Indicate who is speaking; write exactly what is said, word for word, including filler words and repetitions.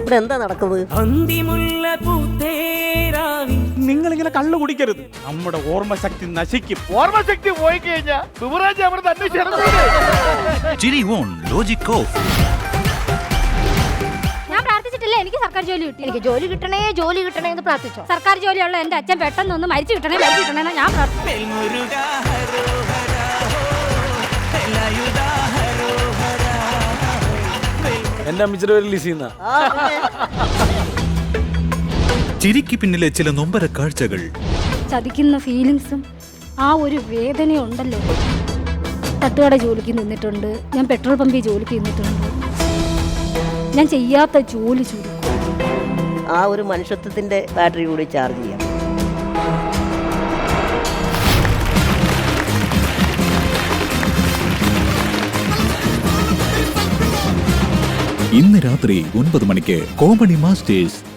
Speaker 1: ഇവിടെ എന്താ നടക്കുന്നത്?
Speaker 2: നിങ്ങളിങ്ങനെ കള്ളു കുടിക്കരുത്, നമ്മുടെ ഓർമ്മശക്തി നശിക്കും.
Speaker 3: ഓർമ്മശക്തി പോയി കഴിഞ്ഞാൽ യുവരാജ് അവിടെ തന്നെ
Speaker 4: ചിരി ഓൺ ലോജിക് ഓഫ്.
Speaker 5: ഞാൻ പ്രാർത്ഥിച്ചിട്ടില്ല എനിക്ക് സർക്കാർ ജോലി കിട്ടി. എനിക്ക് ജോലി കിട്ടണേ ജോലി കിട്ടണേ എന്ന് പ്രാർത്ഥിച്ചോ. സർക്കാർ ജോലിയുള്ള എന്റെ അച്ഛൻ പെട്ടെന്ന് ഒന്ന് മരിച്ചു കിട്ടണേ മരിച്ചു കിട്ടണേ എന്ന് ഞാൻ പ്രാർത്ഥിച്ചു.
Speaker 2: എന്റെ അമ്മച്ചിയുടെ പേര് ലിസിന്ന.
Speaker 4: ചിരിക്ക് പിന്നിലെ ചില നൊമ്പര കാഴ്ചകൾ,
Speaker 5: ചതിക്കുന്ന ഫീലിങ്സും ആ ഒരു വേദനയും ഉണ്ടല്ലോ. തട്ടുകട ജോലിക്ക് നിന്നിട്ടുണ്ട്, ഞാൻ പെട്രോൾ പമ്പിൽ ജോലിക്ക് നിന്നിട്ടുണ്ട്. ഞാൻ ചെയ്യാത്ത ജോലി ചുരുക്കും.
Speaker 1: ആ ഒരു മനുഷ്യത്വത്തിന്റെ ബാറ്ററി കൂടി ചാർജ് ചെയ്യാം.
Speaker 4: ഇന്ന് രാത്രി ഒൻപത് മണിക്ക് കോമഡി മാസ്റ്റേഴ്സ്.